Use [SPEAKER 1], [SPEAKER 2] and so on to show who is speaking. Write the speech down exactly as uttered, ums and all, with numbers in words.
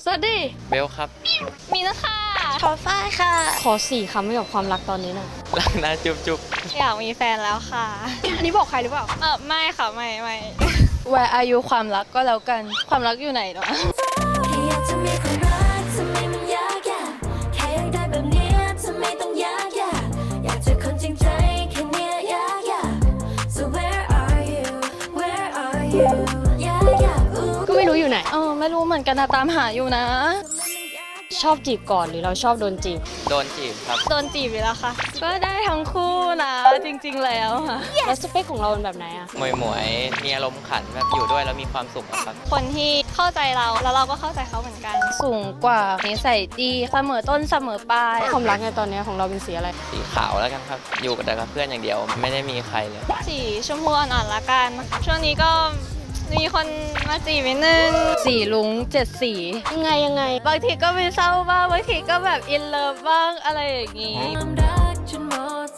[SPEAKER 1] สวัสดี
[SPEAKER 2] เบลครับ
[SPEAKER 3] มีนะคะ
[SPEAKER 1] ขอฝ้ายค่ะขอสี่คำให้กับความรักตอนนี้หน่อย
[SPEAKER 2] รักนะจุ๊บจุ๊บ
[SPEAKER 3] อยากมีแฟนแล้วค่ะ
[SPEAKER 1] อันนี้บอกใครหรือเปล่า
[SPEAKER 3] เออไม่ค่ะไม่ไม่
[SPEAKER 1] Where are you ความรักก็แล้วกันความรักอยู่ไหนเนาะก็ไม่รู้อยู่ไหนเออไม่รู้เหมือนกันนะตามหาอยู่นะชอบจีบก่อนหรือเราชอบโดนจีบ
[SPEAKER 2] โดนจีบครับ
[SPEAKER 3] โดนจีบอยู่แล้วค่ะก็ได้ทั้งคู่นะจริงๆแล้วค่ะ
[SPEAKER 1] แล้วสเปคของเราเป็นแบบไหนอะ
[SPEAKER 2] หมวยหมวยมีอารมณ์ขันแบบอยู่ด้วยแล้วมีความสุขอะครับ
[SPEAKER 3] คนที่เข้าใจเราแล้วเราก็เข้าใจเขาเหมือนกัน
[SPEAKER 1] สูงกว่านิสัยดีเสมอต้นเสมอปลายความรักในตอนนี้ของเราเป็นสีอะไร
[SPEAKER 2] สีขาวแล้วกันครับอยู่กับแต่กับเพื่อนอย่างเดียวไม่ได้มีใครเลย
[SPEAKER 3] สีชมพูอ่อนๆละกันช่วงนี้ก็มีคนมาจีบนิดนึง
[SPEAKER 1] สีลุงเจ็ดสียังไงยังไงบางทีก็มีเศร้าบ้างบางทีก็แบบอินเลิฟบ้างอะไรอย่างงี้